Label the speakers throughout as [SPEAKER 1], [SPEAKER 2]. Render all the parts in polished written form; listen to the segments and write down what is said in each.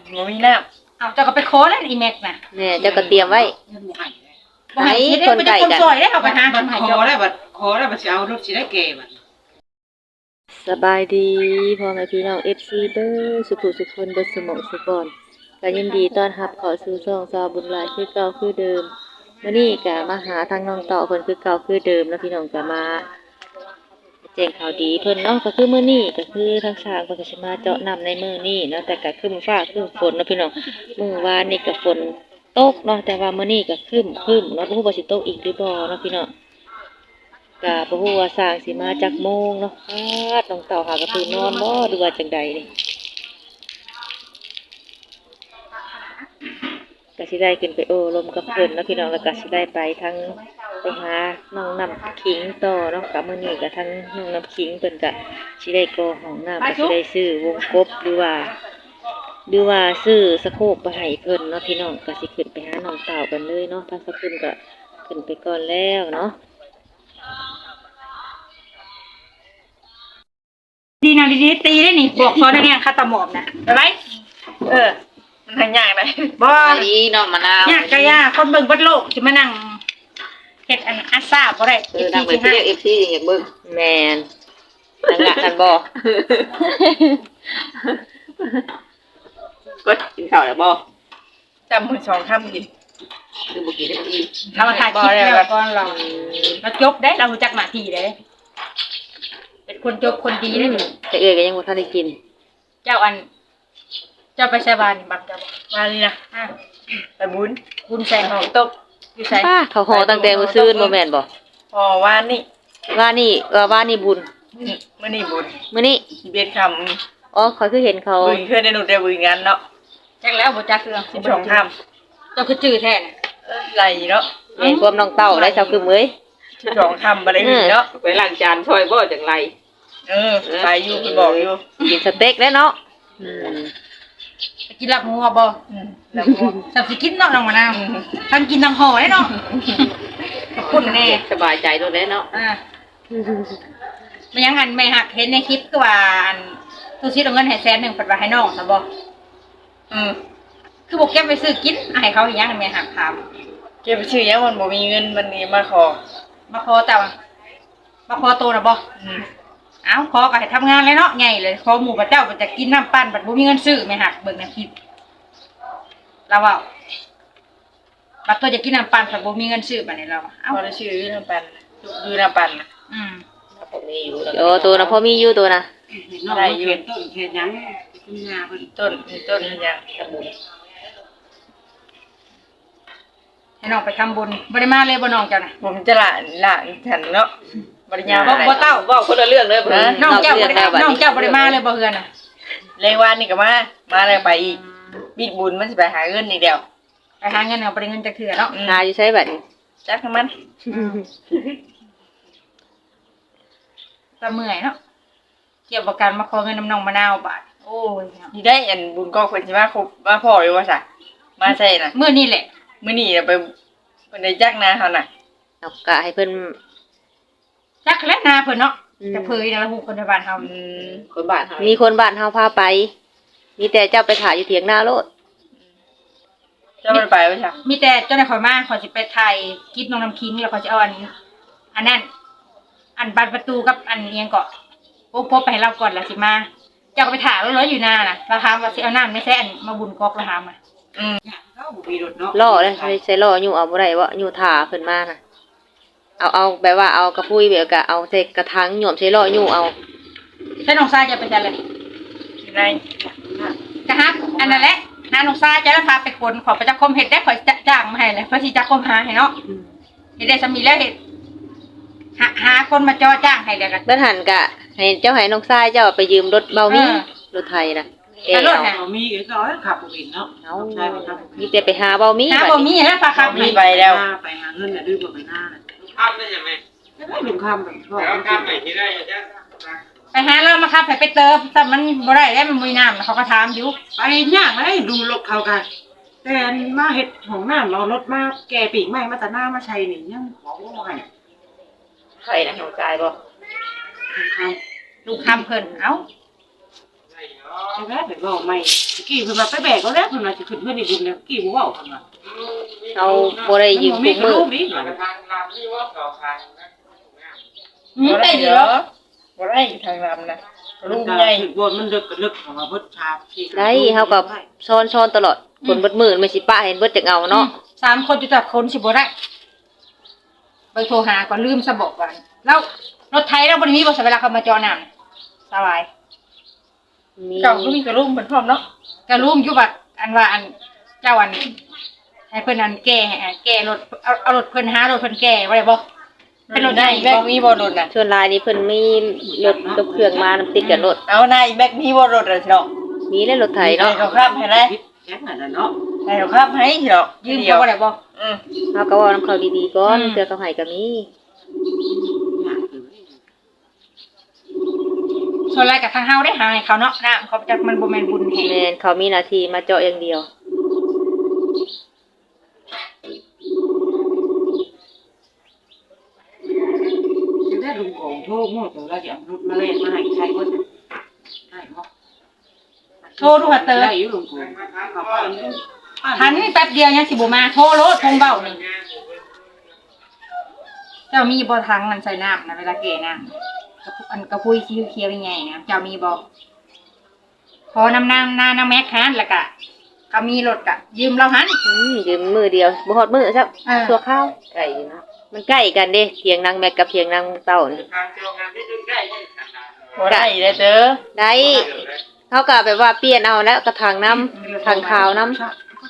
[SPEAKER 1] บ่มีน้ำ
[SPEAKER 2] เอาเจ้าก็ไปขอแล้วอีแม็กน่ะ
[SPEAKER 3] แน่เจ้าก็เตรียมไว้ให้คนไก่กัน
[SPEAKER 2] ซอยได้เอาไปหาคนให้
[SPEAKER 1] ข
[SPEAKER 2] เจ้า
[SPEAKER 1] อได้บัดสิเอารถสิได้แก่บัด
[SPEAKER 3] สบายดีพ่อแม่พี่น้อง FC เด้อสุขสุขคนเบิดสมองสุขบอนก็ยินดีต้อนรับเข้าสู่ช่องสาวบุญหลายคือเก่าคือเดิมมื้อนี้ก็มาหาทางน้องต่อเพิ่นคือเก่าคือเดิมแล้วพี่น้องก็มาแจ้งข่าวดีเพิ่นเนาะก็คือมื้อนี้ก็คือทางสร้างเพิ่นก็สิมาเจาะน้ำในมื้อนี้เนาะแต่ก็ครึ้มฟ้าครึ้มฝนเนาะพี่น้องมื้อวานนี่ก็ฝนตกเนาะแต่ว่ามื้อนี้ก็ครึ้มเนาะบ่ฮู้ว่าสิตกอีกหรือบ่เนาะพี่น้องก็บ่ฮู้ว่าสร้างสิมาจักโมงเนาะน้องเต่าหากระตื่นนอนบ่หรือว่าจังใดนี่ก็สิได้ขึ้นไปโอ้ลมกับเพิ่นเนาะพี่น้องแล้วก็สิได้ไปทั้งไปหาน้องน้ำขิงต่อเนาะกับมื้อนี้ก็ทั้งน้องน้ำขิงเพิ่นก็สิได้ก่อห้องน้ำก็สิได้ซื้อวงกบหรือว่าซื้อสะโครกไปให้เพิ่นเนาะพี่น้องก็สิขึ้นไปหาน้องเต่ากันเลยเนาะทางสะคุณก็ขึ้นไปก่อนแล้วเนาะ
[SPEAKER 2] ดีนะดีๆตีได้นี่บอกพอได้แง่คาตาหมอบนะไปไว้มันทางยากเลยบ่
[SPEAKER 3] ดีเนาะมะนาวย
[SPEAKER 2] ากก็ยากคนเบิ่งเบิดโลกสิมานั่งเฮ็ดอันอาซาบ่ได้
[SPEAKER 3] นั่งไปเรียก FC อยากเบิ่งแม่นนั่นล่ะนั่นบ่ก็กินข้าวแล้วบ่
[SPEAKER 1] จำมื้อ2ค่ำกิน
[SPEAKER 3] คือบ่กินได้อีก
[SPEAKER 2] เราถ่ายคลิปแล้วก่อนเราจบได้เรารู้จักหน้าที่ได้เป็นคนจบคนดีได้นี่
[SPEAKER 3] แต่เอ้ยก็ยังบ่ทันได้กิน
[SPEAKER 2] เจ้าไปใช้บ้านนี่บักเจ้ามานี่นะ
[SPEAKER 1] ไปบุญ
[SPEAKER 2] แซง
[SPEAKER 1] ห้องตก
[SPEAKER 2] อยู่ไส
[SPEAKER 3] เขาห่อตั้งแต่มื้อซืนบ่แม่นบ่
[SPEAKER 1] พอวานนี่
[SPEAKER 3] ว่านี่บุญ
[SPEAKER 1] มื้อนี้บุญ
[SPEAKER 3] มื้อนี้
[SPEAKER 1] 11ค่ำ
[SPEAKER 3] อ๋อข้อยคือเห็นเขา
[SPEAKER 1] บุญเคยได้หนูได้บุญงานเนาะ
[SPEAKER 2] จักแล้วบ่จักเครื่อง
[SPEAKER 1] 12ค่ำ
[SPEAKER 2] เจ้าคือจื้อแท้น่ะ
[SPEAKER 1] ไหลเนาะ
[SPEAKER 3] เห็นความน้องเต้าได้เจ้าคือมื้อย
[SPEAKER 1] 12ค่ำบ่ได้เนาะ
[SPEAKER 3] ไปล้างจานช่วยบ่จังไร
[SPEAKER 1] ไปอยู่เพิ่นบอกอยู่
[SPEAKER 3] กินสเต็กแล้วเนาะ
[SPEAKER 2] ไปกินลาบหมูบ่
[SPEAKER 1] แล้วพวก
[SPEAKER 2] สับสิกินเนาะน้องมะนาวทั้งกินทั้งห่อได้เนาะคุณแน่
[SPEAKER 3] สบายใจตัวได้เนาะ
[SPEAKER 2] มันยังอันไม่หักเห็นในคลิปก็ว่าอันตู้ซิดเอาเงินให้100,000เพิ่นว่าให้น้องซะบ่คือบ่เก็บไปซื้อกินให้เขาอีหยังแม่หักถาม
[SPEAKER 1] เก็บไปชื่อยังมันบ่มีเงินมันนี่มาขอ
[SPEAKER 2] แต่ว่ามาขอโตน่ะบ่เอ้าขอก็ให้ทำงานเลยเนาะใหญ่เลยขอหมู่พระเจ้าก็จะกินน้ำปั้นบัดบ่มีเงินซื้อแม่หักเบิ่งในคลิปเราว่าบัดตัวจะกินน้ำปั้นบัดบ่มีเงินซื้อบัดนี้เรา
[SPEAKER 1] เอ้าได้ชื่อน้ำปั่นดูน้ำปั่น
[SPEAKER 3] พอมีอยู่โอ้ตัวนะพอมีอยู่ตัวนะ
[SPEAKER 1] ได้อยู่ต้นเฮ็ดหยังคุณยาเพิ่นต้นเฮ็ดหยังสมุน
[SPEAKER 2] ให้น้องไปทำบุญบ่ได้มาเลยบ่น้องเจ้าน่ะ
[SPEAKER 1] ผมจะละฉันเนาะบริญญา
[SPEAKER 2] บ่เต้า
[SPEAKER 3] เว้าคนละเรื่องเด้อ
[SPEAKER 2] น้องเจ้าบ่ได้มาเลยบ่เฮือนน่ะ
[SPEAKER 1] แรงวานนี่ก็มาแล้วไปอีกบิดบุญมันสิไปหาเงินนี่เดียว
[SPEAKER 2] ไปหาเงินเอาบ่ได้เงินจักเทื่อเนาะ
[SPEAKER 3] หาอยู่ใช้บัดนี้
[SPEAKER 1] จักมัน
[SPEAKER 2] ก็เมื่อยเนาะเกี่ยวกับการมาขอเงินน้ำน้องมะนาวบาดโอ้ย
[SPEAKER 1] นี่ได้อันบุญก็เพิ่นสิมาครบมาพ่ออยู่ว่าซะมาใช่น่ะ
[SPEAKER 2] มื้อนี้แหละ
[SPEAKER 1] มื้อนี้ไปเพิ่นได้จักนาเฮาน่ะ
[SPEAKER 3] เอากะให้เพิ่น
[SPEAKER 2] จักแล้วนาเพิ่นเนาะจะเผยแล้วฮู้คนในบ้านเฮา
[SPEAKER 3] คนบ้านเฮามีคนบ้านเฮาพาไปมีแต่เจ้าไปถ่ายอยู่เถียงนาโลด
[SPEAKER 1] เจ้าบ่ไปว่าซะ
[SPEAKER 2] มีแต่เจ้าได้ขอยมาขอยสิไปถ่ายคลิปน้องน้ำคิงแล้วขอยสิเอาอันนั้นอันบานประตูกับอันเอียงเกาะพบไปให้เราก่อนแล้วสิมาเจ้าก็ไปถ่ายรถอยู่หน้าน่ะราคาว่าสิเอาน้ำไม่ใช่อันมาบุญกอกราคามา
[SPEAKER 1] เขาบ่มีรถเนาะ
[SPEAKER 3] ล่อเลยใช้ล่ออยู่เอาบ่ได้ว่าอยู่ถ่าเพิ่นมาน่ะเอาแบบว่าเอากระพุ้ยแบบกะเอาใส่กระถางหย่อมใช้ล่ออยู่เอา
[SPEAKER 2] ใช้น้องทรายจะไปจังเลย
[SPEAKER 1] ได้
[SPEAKER 2] จะฮักอันนั้นแหละน้าน้องทรายจะพาไปคนขอประจักษ์คมเฮ็ดได้ขอจ้างมาให้เลยเพราะสิจักษ์คมหาให้เนาะเฮ็ดได้สามีแล้วเฮ็ดหาคนมาจ้อจ้างให้แล้วกัน
[SPEAKER 3] เบิ่นหันกะให้เจ้าให้น้องทรายเจ้าไปยืมรถเบามีรถไทยน่ะ
[SPEAKER 2] รถน่ะ
[SPEAKER 1] มีก็ขับบ่เป็นเนาะ
[SPEAKER 3] เอามีแต่ไปหาเบามี
[SPEAKER 2] หาเบามีแล้วพาขับ
[SPEAKER 1] ไปแล้วไปหาเงินน่ะดื้อบ่ไปหน้าน่ะข้ามได้ยังไงได้ลุงข้ามไปพ่อข้ามไปที่ได้จ้ะ
[SPEAKER 2] ไปหาเรามาครับไปเติมแต่มันบ่ได้แล้วมันมีน้ำเขาก็ถามอยู่
[SPEAKER 1] ไปย่างเลยดูรถเขากันแต่มาเฮ็ดของน้ำเรารถมาแก่ปีกใหม่มาแต่หน้ามาใช้นี่ยังของบ่ให้
[SPEAKER 3] ใครนะหัวใจบ่
[SPEAKER 2] ลูกค้ำเพิ่นเอ้า
[SPEAKER 1] ใช่ไหมแต่ก็ไม่กี่เพิ่นมาไปแบกก็แล้วเพิ่นมาจะขึ้นเพื่อนในบุญแล้วกี่บ่เว้าเพิ่นว่า
[SPEAKER 3] เอาบ่ได้ยืมทุกมื้อ
[SPEAKER 2] ได้อยู่แล้ว
[SPEAKER 4] บ่ได้ทางลำนะลุง
[SPEAKER 1] ให
[SPEAKER 4] ใหญ่
[SPEAKER 1] ญ่บนมันลึกของว่าเบิดชาที่
[SPEAKER 3] ได้เฮาก็ซ้อนๆตลอดคนเบิดมื้อไม่สิปะเห็นเบิดจักเอาเนาะ
[SPEAKER 2] 3คนอยู่แต่คนสิบ่ได้ไปโทรหาก่อนลืมซะบอกว่าแล้วรถไถเราบ่ได้มีบ่เวลาเขามาเจาะน้ำสบาย
[SPEAKER 3] มี
[SPEAKER 4] เจ้าก็มีกระลุงเป็นพร้อมเนาะ
[SPEAKER 2] ก็ลืมอยู่ว่าอันว่าอันเจ้าอันให้เพิ่นอันแก้รถเอารถเพิ่นหารถเพิ่นแก้ไว้ได้บ่เป็นรถใหญ่
[SPEAKER 4] แบ็
[SPEAKER 2] บ่
[SPEAKER 4] คมีบ่รถน่ะ
[SPEAKER 3] ส่วนหลายนี่เพิ่นมีรถกับเครื่องมานำติดกับรถ
[SPEAKER 4] เอานายแบ็คมีบ่รถอ่ะเนาะ
[SPEAKER 3] มีแล้วรถไถเนาะ
[SPEAKER 4] เขาข้ามให้ได้
[SPEAKER 1] คิดแค่นั้นเนาะ
[SPEAKER 4] ให้เขาข้ามให้เนาะ
[SPEAKER 2] ยืมเขาบ่ได้บ่
[SPEAKER 4] อืม
[SPEAKER 3] เฮาก็เว้านำเขาดีๆก่อนเทื่อเขาให้ก็มี
[SPEAKER 2] ส่วนรายกับทางเฮาได้หาให้เขาเนาะน้ำเขาจักมันบ่แม่นบุญแห่ง
[SPEAKER 3] แม่นเขามีหน้าที่มาเจาะอย่างเดียว
[SPEAKER 1] จะได้ลุงของโทษหมดแล้วจะเอารถมาเล่นมาให้ใช้ก็ได้เนาะ
[SPEAKER 2] โทรดูหาเตอ
[SPEAKER 1] ได้อยู่ลุงของเขาก็
[SPEAKER 2] ทันแป๊บเดียวยังสิบ่มาโทรโลดคงเว้านี่เจ้ามีบ่ทางมันใส่น้ำนะเวลาแก่น้ำกระพุ้ยสีเขียวๆใหญ่ๆนะเจ้ามีบ่พอนำน้ำแม็กหันแล้วก็ก็มีรถก็ยืมเราหัน
[SPEAKER 3] ยืมมือเดียวบ่ฮอดมื้อซัก
[SPEAKER 2] เออ
[SPEAKER 3] ชั่วคราวไกลอยู่นะมันใกล้กันเด้เถียงนางแม็กกับเถียงนางเต้านี่
[SPEAKER 4] บ่ได้เลยเด้อ
[SPEAKER 3] ได้เฮาก็แบบว่าเปลี่ยนเอาแล้วกระถางน้ำทางขาวน้ำ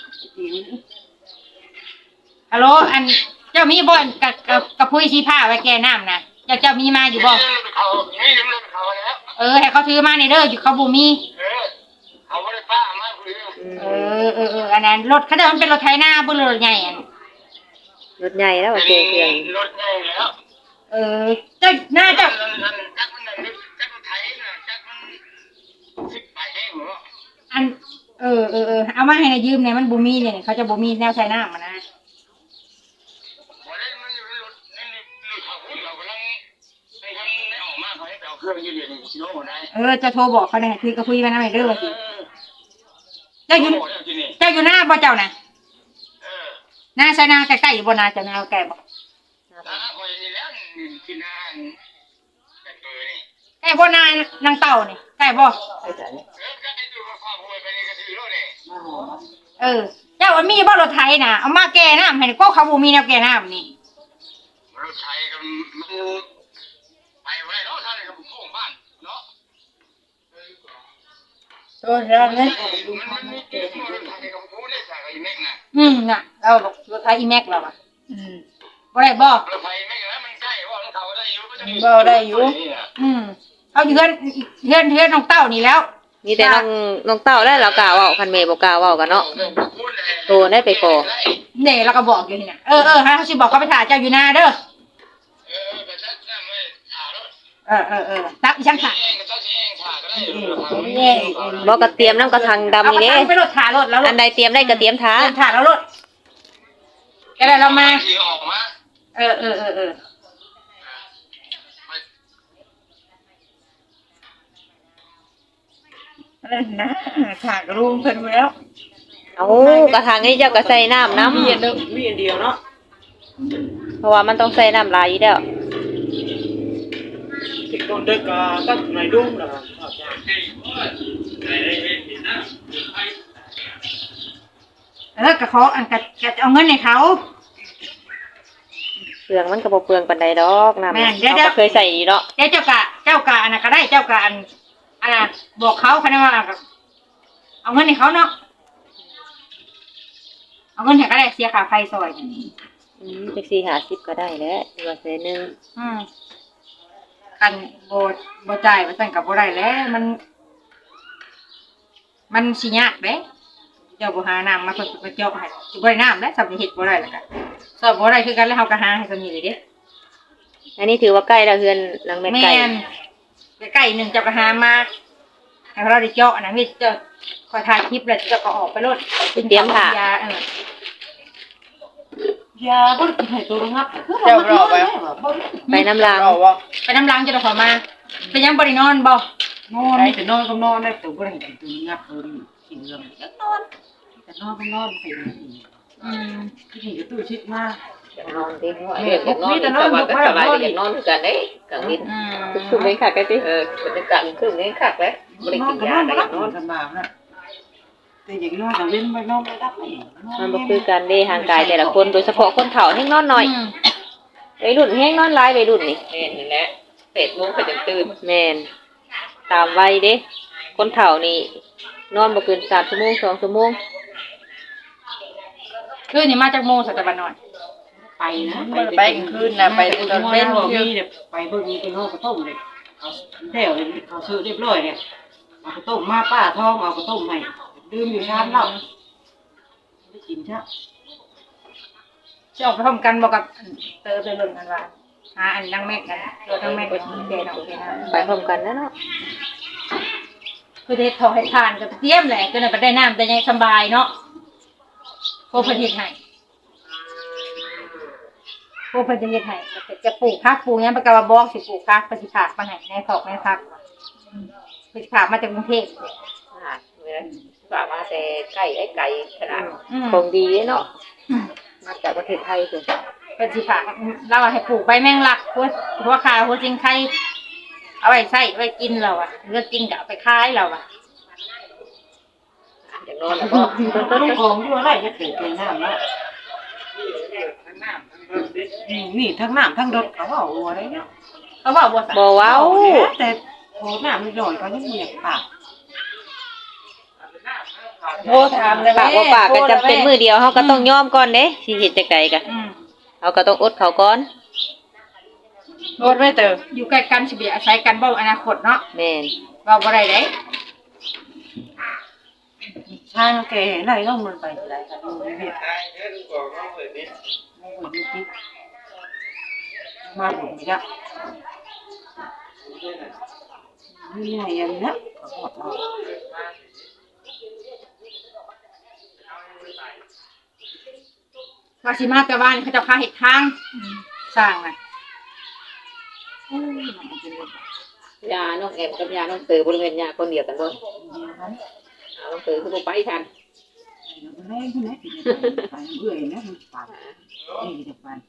[SPEAKER 2] ฮัลโหลอันเจ้ามีบ่อันกระพุ้ยสีผ้าไว้แก่น้ำนะเจ้ามีมาอยู่บ่
[SPEAKER 5] เขาไม่ยืมรถเขาแล้ว
[SPEAKER 2] ให้เขาถือมาในเด้ออยู่เขาบ่มี
[SPEAKER 5] เขาไม่ได้ป้ามาคุย
[SPEAKER 2] อันนั้นรถเขาเดินเป็นรถไถนาบ่รถใหญ่อัน
[SPEAKER 3] รถใหญ่แล้วว่าเจอเครื่อง
[SPEAKER 5] รถใหญ่แล้ว
[SPEAKER 2] เจ้าหน้าเจ้า
[SPEAKER 5] จักมันนั่นจักมันไทยนะจักมันสิบไปแห้งหรอ
[SPEAKER 2] อันเอามาให้นายยืมเนี่ยมันบ่มีเนี่ยเขาจะบ่มีแนวใช้น้ำมันนะ
[SPEAKER 5] วันนี้มันอยู่ในรถนี่เขาพูดเรากำลังในทางในออกมาเขาให้เอาเครื่องยืนยืนชิโน่ได้
[SPEAKER 2] จะโทรบอกเขาเนี่ยคือกระพุ้ยมาหน้าให้เด้อว่าสิเจ้าอยู่
[SPEAKER 5] นี่
[SPEAKER 2] เจ้าอยู่หน้าบ่เจ้าน่ะ
[SPEAKER 5] เออ
[SPEAKER 2] หน้าใช้นาใกล้ๆอยู่บ่นาเจ้านาใกล้บ่
[SPEAKER 5] ถ้าคอยนี่แล้วที่นานแต่เบอร์นี่
[SPEAKER 2] ใกล้บ่นางเต่านี่ใกล้บ่
[SPEAKER 5] ก็ได้ดูความห่วยไปนี่ก็ถือรถเนี่ย
[SPEAKER 2] เจ้ามันมีบ่รถไถน่ะเอามาแก้น้ำให้ก็เขาบ่มีแนวแก้น้ำนี่
[SPEAKER 5] รถไทยก็มันไปไว้เนาะท่านกับโค้งบ้านเนาะ
[SPEAKER 4] โอ้ยแล้วเนี่ย
[SPEAKER 5] มันมีเกมรถไทยกับผู้ได้ใส่ไอ้แม็กน่ะ
[SPEAKER 2] น่ะเรารถไถอีแม็กเราอ่ะ
[SPEAKER 4] อืม
[SPEAKER 2] บ่ได้บ่
[SPEAKER 5] รถไฟแม็กแล้วมันใกล้ว่ามันเขาได้อยู่
[SPEAKER 2] เอาอยู่เฮือนน้องเต้านี่แล้ว
[SPEAKER 3] มีแต่น้องเต้าแล้วเรากล้าเว้าคันแม่บ่กล้าเว้ากันเนาะโทรได้ไปขอ
[SPEAKER 2] เด้เราก็บอกอยู่นี่น่ะให้เขาสิบอกเขาไปถ่ายเจ้าอยู่หน้าเด้อ
[SPEAKER 5] ก็ชัดนั่นไม่ถ่ายรถ
[SPEAKER 2] ตักอีช่างถ่าย
[SPEAKER 5] เองก็ต้องเองถ่ายก็ได้อยู่
[SPEAKER 3] บ่ก็เตรียมน้ำกระถางดำ
[SPEAKER 2] เอา
[SPEAKER 3] นี่
[SPEAKER 2] กระ
[SPEAKER 3] เด้
[SPEAKER 2] ถางไปรถถ่ายรถแล้วร
[SPEAKER 3] อั
[SPEAKER 2] ถ
[SPEAKER 3] นใดเตรียมได้ก็เตรียมท้า
[SPEAKER 2] ถ่ายแล้วรถก็ได้เรามา
[SPEAKER 5] ที่ออกมา
[SPEAKER 4] นั่นนะถากลุงเพิ่นแล้ว
[SPEAKER 3] เอากระถางนี้เจ้าก็ใส่น้ำน้ำ
[SPEAKER 1] มีอันเดียวเนาะ
[SPEAKER 3] เพราะว่ามันต้องใส่น้ำหลายอยู่แล้ว
[SPEAKER 1] ที่ต้นเด็กก็ในรุ่งนะ
[SPEAKER 2] ก็ขออันก็เอาเงินให้เขา
[SPEAKER 3] เปลืองมันก็บ่เปลืองปานใดดอกน้ำ
[SPEAKER 2] แม่น
[SPEAKER 3] เราก็เคยใส่อยู่เนาะ
[SPEAKER 2] เจ้ากะอันน่ะก็ได้เจ้ากะอันน่ะบอกเขาคะแนนว่าเอาเงินให้เขาเนาะเอาเงินให้ก็ได้เสียค่าไฟซอย
[SPEAKER 3] จัก4-50ก็ได้แหล้วว่าแสนนึง
[SPEAKER 2] กันบ่จ่ายว่าซั่นก็บ่ได้แล้วมันสิยากเด้เจ้าบ่หาน้ำมาเพิ่นไปเจาะให้สิบ่ได้น้ำแล้วสับเฮ็ดบ่ได้แล้วก็สอบบ่ได้คือกันแล้วเฮาก็หาให้ซั่นนี่เลยเด้
[SPEAKER 3] อันนี้ถือว่าใกล้แล้วเฮือนหลังแม่
[SPEAKER 2] แม่
[SPEAKER 3] ไก่
[SPEAKER 2] นใกล้ๆนึงเจ้าก็หามาให้เราได้เจาะนะมีเจ้าคอยถ่ายคลิปแล้วเจ้าก็ออกไปโลด
[SPEAKER 3] เตรียมถ่าย
[SPEAKER 2] า
[SPEAKER 1] ยาบ่ได้กินให้ตัวงับ
[SPEAKER 3] ไปน้ำลาง
[SPEAKER 4] เอาบ่
[SPEAKER 2] ไปน้ำล้างจะได้ขอมาไปยังบริโนอนบ่
[SPEAKER 1] นอนมีแต่นอนก็นอนได้แต่บ่ได้เห็นตัวงับเพิ่นกินเรื่องยังนอนแต่นอนก็นอนไปเลยที่นี่ก็ตู้ชิดมา
[SPEAKER 3] อยากนอนดิเรียกอยากนอนแต่ว่าก็สบายอยากนอนคือกันได้กลางดินคือเล่นคักกันติบรรยากาศคือเล่นคักแล้วบ่ได้กินยาได้นอน
[SPEAKER 1] สบายนะแต่อย่างนอนแต่เล่นไม่นอนไม่รับไม่
[SPEAKER 3] มันบ่คือกันเด้ห่างกายแต่ละคนโดยเฉพาะคนเฒ่าแฮงนอนน้อยวัยรุ่นแฮงนอนหลายวัยรุ่นนี่แม่นนั่นแหละ8:00 นก็จะตื่นแม่นตามวัยเด้คนเฒ่านี่นอนบ่เกิน3ชั่วโมง2ชั่วโมง
[SPEAKER 2] คืนนี้มาจากโมงสัตว์บ้านนอน
[SPEAKER 1] ไปนะ
[SPEAKER 4] ไปกลางคืนนะไปตอนเป็น
[SPEAKER 1] มีเนี่ยไปเบิ่งเป็นห้องกระต้มเลยเอาแถวเลยเขาซื้อเรียบร้อยเนี่ยเอากระต้มมาป้าท้องเอากระต้มให้ดื่มอยู่ชามเหล้าไม่กินใช่
[SPEAKER 2] จะออกไปพร้อมกันบอกกับเตอไปเบิ่งกันว่าหาอันนั่งแม่กันตัวนั่งแม่กันแกน้องแกน้
[SPEAKER 3] ไปพร้อมกันนะเนาะ
[SPEAKER 2] คือเฮ็ดทอให้ทานกับเตรียมแหละก็น่ะไปได้น้ำแต่ยังสบายเนาะโคเพิ่นเฮ็ดให้โคเพิ่นจะเฮ็ดให้จะปลูกผักปลูกหยังประกาว่าบอกสิปลูกผักเพิ่นสิฝากมาให้ในถอกในผักเพิ่นสิฝากมาจากกรุงเทพ
[SPEAKER 3] เวลาฝากมาแต่ไก่ไก่ขนาด
[SPEAKER 2] อืม
[SPEAKER 3] ของดีเนาะมาจากประเทศไทยเพิ่น
[SPEAKER 2] เป็นสิฝากเราให้ปลูกใบแมงลักหัวขาหัวจิงไข่เอาไว้ใส่ไว้กินเราอ่ะเลือกกินก็เอาไปขายเราอ่ะ
[SPEAKER 3] อย่างนอนแล้วก็
[SPEAKER 1] ลูกของอยู่อะไรจะเกิดเป็นน้ำแล้วนี่ทั้งน้ำทั้งรถเขาเอาอะไรเนาะ
[SPEAKER 2] เขาบอกว่า
[SPEAKER 3] บ่เว้า
[SPEAKER 1] แต่โหน้ำไม่หน่อยก็ยังมีอยากปาก
[SPEAKER 2] โทรถามเลย
[SPEAKER 3] ปากบ่ปากก็จำเป็นมื้อเดียวเฮาก็ต้องยอมก่อนเด้สิเฮ็ดจังได๋ก็เฮาก็ต้องอดเขาก่อน
[SPEAKER 2] โทษไว้เตออยู่ใกล้กันสิเบียอาศัยกันบ่อนาคตเนาะ
[SPEAKER 3] แม่น
[SPEAKER 2] เว้าบ่ได้เด้
[SPEAKER 1] ชายแกไหนต้องมันไปอะไรกันดูไม่เห็นมาบุญไม่ได้นี่ไงยังนะขอบอก
[SPEAKER 2] ว่าสิมาแต่บ้านเขาเจ้าพาเฮ็ดทางสร้างน่ะ
[SPEAKER 3] ยาน้องแอมกับยาน้องเตอบริเวณยาคนเดียวกันบ่น้องเตอคือบ่ไปทัน
[SPEAKER 1] แรงขึ้นนะไปเบื่อนะมันปากนี่จะปัน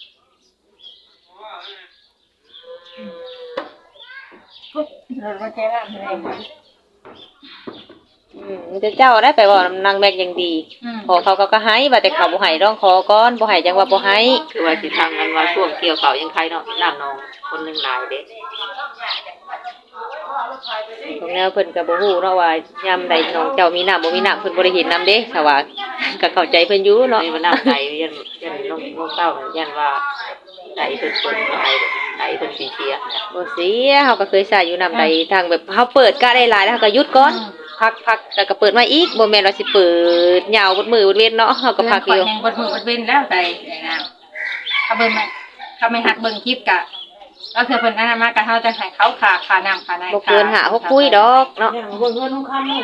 [SPEAKER 2] เราบ่แค่นั้นเลย
[SPEAKER 3] มันจะเจ้าได้ไปบ่นางแบกอย่างดีพอเขาก็ให้ว่าแต่เขาบ่ให้ร้องขอก่อนบ่ให้จังว่าบ่ให้คือว่าสิทางกันว่าช่วงเกี่ยวเขายังใครเนาะน้ำนองคนนึงหลายเด้ตรงแนวเพิ่นก็บ่ฮู้เนาะว่ายามใดน้องเจ้ามีน้ำบ่มีน้ำเพิ่นบ่ได้เห็นน้ำเด้ถ้าว่าก็เข้าใจเพิ่นอยู่เนาะว่าน้ำใดยันน้องเต้ายันว่าใดเพิ่นเปิดใดเพิ่นสิเสียบ่เสียเฮาก็เคยใช้อยู่น้ำใดทางแบบเฮาเปิดก็ได้หลายแล้วเฮาก็หยุดก่อนพักแล้วก็เปิดมาอีกบ่แม่นว่าสิเปิดยาวเบดมื้อเบดเว้นเนาะเฮาก็พักอยู่
[SPEAKER 2] แห่งบดมือบดเว้นแล้วใจนะถ้าเบิ่งไหมถ้าไม่หักเบิ่งคลิปกะก็คือเพิ่นอันนั้นมาก็เฮาจะให้เขาค่าน้ำค่าใน
[SPEAKER 3] บ่เกิน5 6ปุ้ยดอกเนาะ
[SPEAKER 1] เนี่ยเบิ่งเงินลูกค้าลูก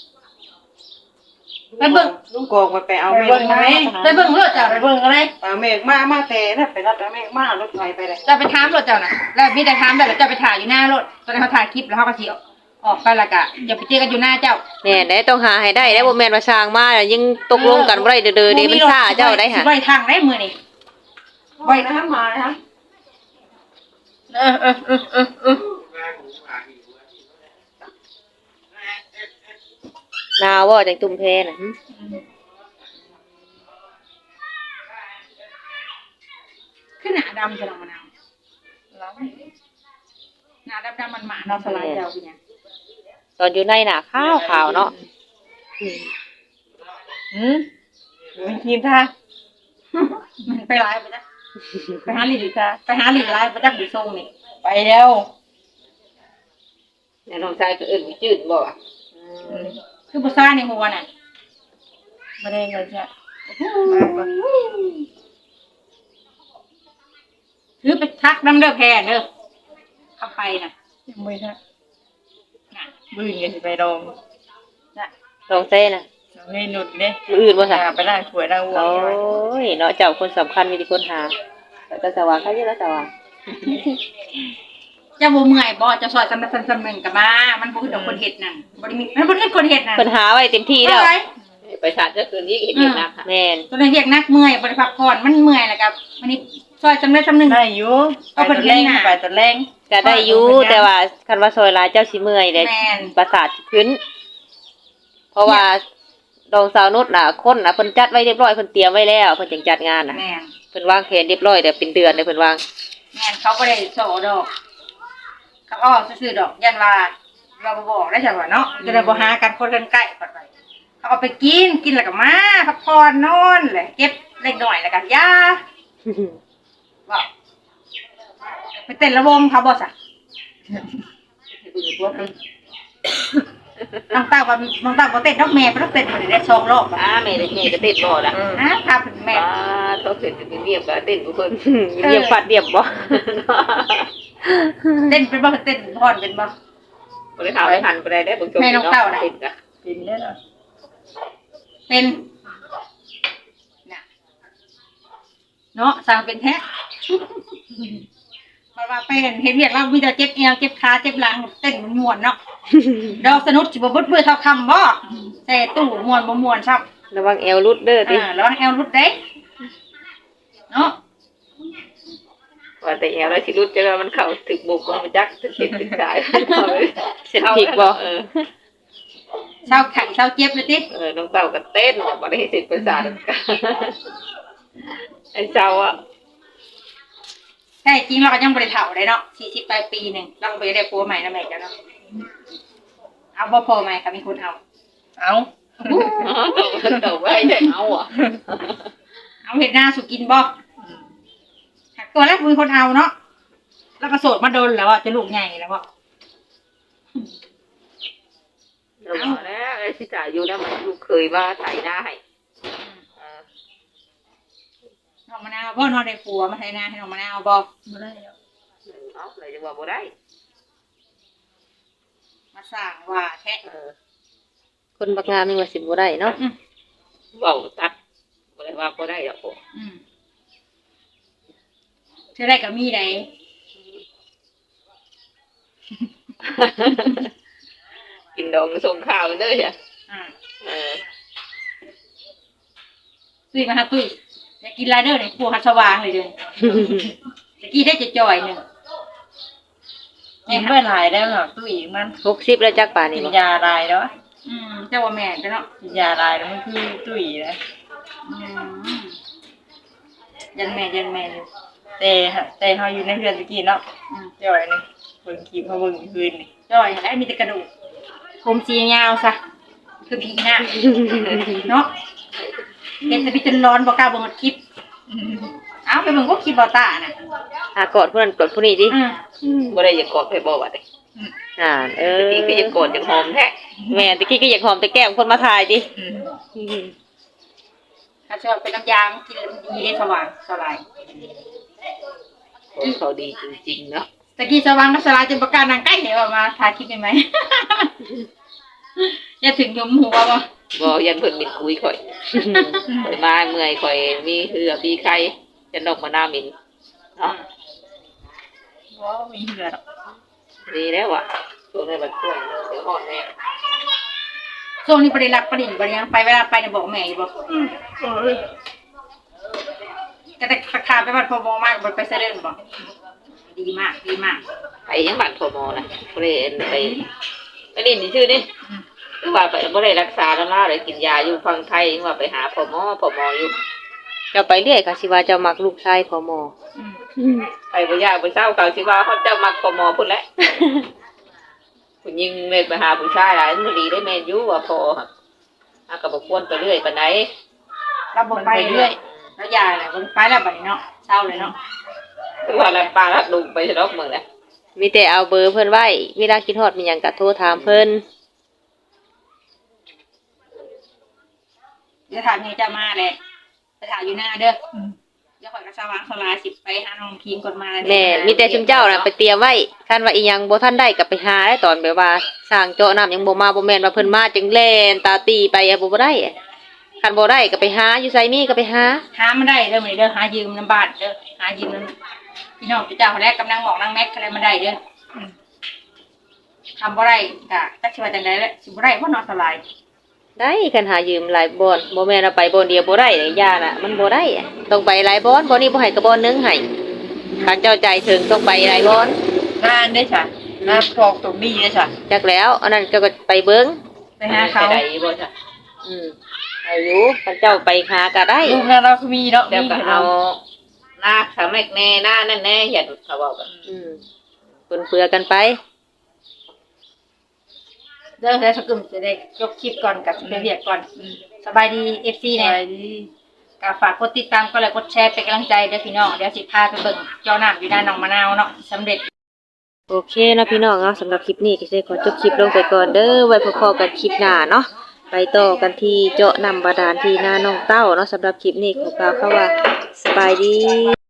[SPEAKER 2] ไปเบิ่ง
[SPEAKER 1] ลุงกองไปเอา
[SPEAKER 2] ไป
[SPEAKER 1] เมฆ
[SPEAKER 2] เบิ่งไหมไปเบิ่งรถเจ้าไปเบิ่งอะไร
[SPEAKER 1] เอาเมฆมาแต่นะไปรับเมฆมารถไฟไปเลย
[SPEAKER 2] จะไปถามรถเจ้าน่ะแล้วมีแต่ถามแล้วจะไปถ่ายอยู่หน้ารถตอนนั้นเขาถ่ายคลิปแล้วเขาก็สิออกไปและกะอย่าไปเจอกันอยู่หน้าเจ้า
[SPEAKER 3] แน่ได้ต้องหาให้ได้ได้บ่แม่นว่าสร้างมาแล้วยังตกลงกันบ่ได้เด้อเด้มันซ่าเจ้าได้หา
[SPEAKER 2] ไว้ทางได้มื้อนี้
[SPEAKER 1] ไว้นะมานะ
[SPEAKER 2] เออ
[SPEAKER 3] นาวบ่จังตุ่มแพน่ะหึ
[SPEAKER 2] ขึ้นหน้าดำจะลงมานาวหน้าดำมันหมาเนาะสลายเจ้าคือหยัง
[SPEAKER 3] ตอนอยู่ในน่ะขาวเนาะ
[SPEAKER 2] มันทีมท่ามันไปไลฟ์ไปจ้ะไปหาหลีดจ้ะไปหาหลีดไลฟ์ไปจ้ะบุญทรงนี่ไปแล้ว
[SPEAKER 3] แล้วน้องชายก็เอิ้นวิจืดบ่อ่ะ
[SPEAKER 2] คือบุษราในหัวน่ะไม่ได้เงินจ้ะถือไปทักน้ำเด้อแพนเด้อเข้าไปน่ะ
[SPEAKER 4] ยังไม่ทักบื้นกันสิไปลอง
[SPEAKER 3] น้องเต้น่ะ
[SPEAKER 4] นี่หนุดเนี่ย
[SPEAKER 3] มื้ออื่นบ่ซะ
[SPEAKER 4] ไปได้ขวยได้วัว
[SPEAKER 3] โอ้ยเนาะเจ้าคนสำคัญมีแต่คนหาแต่สว่างเขาอยู่แล้วสว่าง
[SPEAKER 2] จะบ่เมื่อยบ่จะซอยสำหนึงก็มามันบ่คือดอกคนเฮ็ดนั่นบ่ได้มีมันบ่คือคนเฮ็ดนั่น
[SPEAKER 3] เพิ่นหาไว้เต็มที่แล้ว
[SPEAKER 2] เอาไ
[SPEAKER 4] ไปชาติก็คืนนี้เห็นอีกนะค่ะ
[SPEAKER 3] แม่น
[SPEAKER 2] ตัวนี้เรียกนักเมื่อยบ่ได้พักผ่อนมันเมื่อยแล้วก็วันนี้ซอยสำนึง
[SPEAKER 4] ได้อยู่ไปตอนแรงไปตอนแรง
[SPEAKER 3] ก็ได้อยู่แต่ว่าคันว่าซอยหลายเจ้าสิเมื่อยเด้
[SPEAKER 2] แม่น
[SPEAKER 3] ประสาทสิขึ้น เพราะว่าดองสาวนุชน่ะคนน่ะเพิ่นจัดไว้เรียบร้อยเพิ่นเตรียมไว้แล้วเพิ่นจังจัดงานน่ะ
[SPEAKER 2] แม่น
[SPEAKER 3] เพิ่นวางแผนเรียบร้อยแต่เป็นเดือนเลยเพิ่นวาง
[SPEAKER 2] แม่นเขาบ่ได้โซดอกเขาอ้อซื่อๆดอกยันว่าเราบ่บอกได้จังว่าเนาะจะได้บ่หากันคนกันใกล้ปัดไปเขาเอาไปกินแล้วก็มาพักผ่อนนอนแหละเก็บเล็กน้อยแล้วก็ยาว่าไปเต้นระวงเขาบ่ซะน้องเต้าบ่เต้นดอกแม่บ่ต้องเต้นบ่ได้2รอบ
[SPEAKER 4] แม่ได้แม่ก็เต้นบ่ล่ะ
[SPEAKER 2] พาเพิ่นแม่
[SPEAKER 4] เขาเต้นเป็นเรียบก็เต้นบ่เพิ่น
[SPEAKER 3] เรียบฟัดเรียบบ่
[SPEAKER 2] เต้นเป็นบ่เต้นพรเป็นบ่
[SPEAKER 4] บ่ได้ถามไปหันบ่ได้ได้บ่ชมเต้นก็
[SPEAKER 2] เป็นได้เหรอเป็นน่ะเนาะสั่งเป็นแท้มาไปเห็นเรียกเรามีแต่เจ็บเอวเจ็บขาเจ็บหลังเต้นมันม่วนเนาะดอกสนุกสิบ่บึดเท่าคำบ่แต่ตู้ม่วนบ่ม่วนซับ
[SPEAKER 3] ระวังแอวรุดเด้อติ
[SPEAKER 2] ระวังแอวรุดเด้เนาะ
[SPEAKER 4] ว่าแต่แอวแล้วสิรุดจะว่ามันเข้าถึกบุกมันจักถึกเจ็บถึกสาย
[SPEAKER 3] เส้นผิกบ่
[SPEAKER 2] เศร้าไข่เศร้าเจ็บเลยติ
[SPEAKER 4] น้องเต้าก็เต้นบ่ได้สิประสาทไอ้เจ้าอ่ะ
[SPEAKER 2] ใช่จริงเราก็ยังบ่ได้เฒ่าได้เนาะ40ปลายปีนึงเราก็บ่ได้ผัวใหม่นะแม่จ้ะเนาะเอาบ่พอใหม่ก็มีคนเอา
[SPEAKER 4] เต่าไว้ใช่เอาอ่ะ
[SPEAKER 2] เอาเห็ดหน้าสุกินบ่หักตัวแรกมีคนเอาเนาะ แล้วก็โสดมาโดนแล้วอ่ะจะลูกใหญ่แล้วอ่ะ
[SPEAKER 4] เอาแล้วไอ้สิจ่ายอยู่แล้วมันลูกเคยว่าใส่หน้าให้
[SPEAKER 2] น้องมะนาวบ่นอนในครัวมาใส่หน้าให้น้องมะนาวบ่
[SPEAKER 4] บ่ได้เอาเลยจะว่าบ่ได้
[SPEAKER 2] มาสั่งว่าแท้
[SPEAKER 3] คนบักงามนี่ว่าสิบ่ได้เนาะ
[SPEAKER 4] เว้าตัดบ่ได้ว่าบ่ได้ดอก
[SPEAKER 2] เธอได้กับมีไหน
[SPEAKER 4] กินดองส่งข้าวเด้อจ้ะ
[SPEAKER 2] ตุ้ยมาหาตุ้ยอยากกินไรเดอร์ในครัวฮัสว่างเลยเด้อตะกี้ได้จะจ่อยหนึ่ง
[SPEAKER 4] กินไปหลายแล้วเนาะตู้อีกมัน
[SPEAKER 3] 60แล้วจักป่านนี้
[SPEAKER 4] กิน
[SPEAKER 3] บ่
[SPEAKER 4] ยาลายแล้ว
[SPEAKER 2] เจ้าว่าแม่นเนาะ
[SPEAKER 4] กินยาลายแล้วมันคือตู้อีนะ
[SPEAKER 2] ยันแม่อยู่
[SPEAKER 4] แต่เฮาอยู่ในเรือนตะกี้เนาะจ่อยนี่เบิ่งคลิปเฮาเบิ่งคืนนี่
[SPEAKER 2] จ่อยแล้วมีแต่กระดูกผมสียาวซะคือผีหน้าเนาะเห็นแต่พี่จนร้อนบ่กล้าเบิ่งคลิปเอาไปเบิ่งก็คลิปบ่ตาน่ะ
[SPEAKER 3] กอดผู้นั้นกอดผู้นี้ติ
[SPEAKER 4] บ่ได้อยากกอดไปบ่ว่าได้
[SPEAKER 3] จริง
[SPEAKER 4] ก็อยากกอดอยากหอมแท้
[SPEAKER 3] แม่ตะกี้ก็อยากหอมแต่แก้มคนมาถ่ายติ
[SPEAKER 2] ถ้าชอบเป็นน้ำยางกินแล้วมันดีได้สว่างสบาย
[SPEAKER 4] เขาดีจริงๆเนาะ
[SPEAKER 2] ตะกี้สว่างก็สลายจนประกาศนางใกล้เห็นว่ามาถ่ายคลิปได้ไหม อย่าถึงยมหัวบ่
[SPEAKER 4] บ่ยันเพิ่นมินคุยข่อยข่อยมาเมื่อยข่อยมีเหือมีไข้จะนกมาหน้ามินเนาะ
[SPEAKER 2] บ่มีเหือดอก
[SPEAKER 4] ดีแล้วอ่ะช่วงนี้มันช่วยเดี๋ยวอ่อนแน่
[SPEAKER 2] ช่วงนี้บ่ได้รักประดิ่งบ่ได้ยังไปเวลาไปเนี่ยบอกแม่อยู่บ่แต่ขาไปบ้านพ่อบ่มากบ่ไปเสด็จบ่ดีมาก
[SPEAKER 4] ไปยังบ้านพมนะบ่ได้ไปเล่นชื่อนี่คือว่าไปบ่ได้รักษาแล้วล่ะเลยกินยาอยู่ฝั่งไทยว่าไปหาพมอยู่
[SPEAKER 3] เจ้าไปเรื่อยก็สิว่าเจ้ามักลูกชายพอหมอ
[SPEAKER 4] ไปบ่ยากบ่เศร้าเขาสิว่าเขาเจ้ามักพมพุ่นแหละผู้หญิงเลยไปหาผู้ชายหลายมันดีได้แม่นอยู่ว่าพอก็บ่ควรไปเรื่อยปานใด
[SPEAKER 2] เราบ่ไปเรื่อยแล้วยาแหละบ่ไปแล้วบัดนี้เนาะเศร้าเลยเนาะ
[SPEAKER 4] คือว่าแล้วปลาลัดลุงไปรอบเมืองแหละ
[SPEAKER 3] มีแต่เอาเบอร์เพิ่นไว้เวลาคิดฮอดมีหยังก็โทรถามเพิ่น
[SPEAKER 2] เดี๋ยวถามให้เจ้ามาแหละไปถ่ายอยู่หน้าเด้อเดี๋ยวข่อยก็สว่างสลายสิไปหาน้องคิงก่อนมา
[SPEAKER 3] แม่มีแต่ชุมเจ้าน่ะไปเตรียมไว้คันว่าอีหยังบ่ทันได้ก็ไปหาได้ตอนแบบว่าสร้างเจาะน้ำยังบ่มาบ่แม่นว่าเพิ่นมาจึงแล่นตาตีไปบ่ได้คันบ่ได้ก็ไปหาอยู่ไสมีก็ไปหา
[SPEAKER 2] หามาได้เด้อมื้อนี้เด้อหายืมน้ำบ้านเด้อหายืมน้ำพี่น้องเจ้าแรกกำลังหมอกนางแม็กอะไรมาได้เด้อทำบ่ได้ก็จักสิว่าจังได๋แหละสิบ่ได้เพราะนอนสลาย
[SPEAKER 3] ได้คันหายืมหลายบ่อนบ่แม่นเอาไปบ่อนเดียวบ่ได้ยาน่ะมันบ่ได้อะต้องไปหลายบ่อนบ่นี้บ่ให้ก็บ่อนหนึงให้คันเจ้าใจถึงต้องไปหลายบ่อน
[SPEAKER 2] งานได้จ้ะงานพอกตรงนี้ได้จ้ะ
[SPEAKER 3] จักแล้วอันนั้นเจ้าก็ไปเบิ่ง
[SPEAKER 2] ไปหาเขา
[SPEAKER 4] ได้บ่จ้ะ
[SPEAKER 3] อายุคันเจ้าไปหาก็ได้
[SPEAKER 2] ลูกนั้นเราคือมีเนาะ
[SPEAKER 4] เดี๋ยวก็เอาหน้าขาแม่แน่หน้านั่นแน่เห็นเขาบอกกัน
[SPEAKER 3] ปนเปื้อกันไป
[SPEAKER 2] เด้อแล้วสกุลจะได้ยกคลิปก่อนกับไปเรียกก่อนสบายดี FC แน่ก็ฝากกดติดตามก็เลยกดแชร์เป็นกำลังใจเด้อพี่น้องเดี๋ยวสิพาไปเบิ่งเจ้าน้ำอยู่ด้านหนองมะนาวเนาะสำเร็จ
[SPEAKER 3] โอเคนะพี่น้องเนาะสำหรับคลิปนี้ก็จะขอจบคลิปลงไปก่อนเด้อไว้พบกันคลิปหน้าเนาะไปต่อกันที่เจาะน้ำบาดาลที่นาน้องเต้าเนาะสำหรับคลิปนี้ขอกล่าวคำว่าสบายดี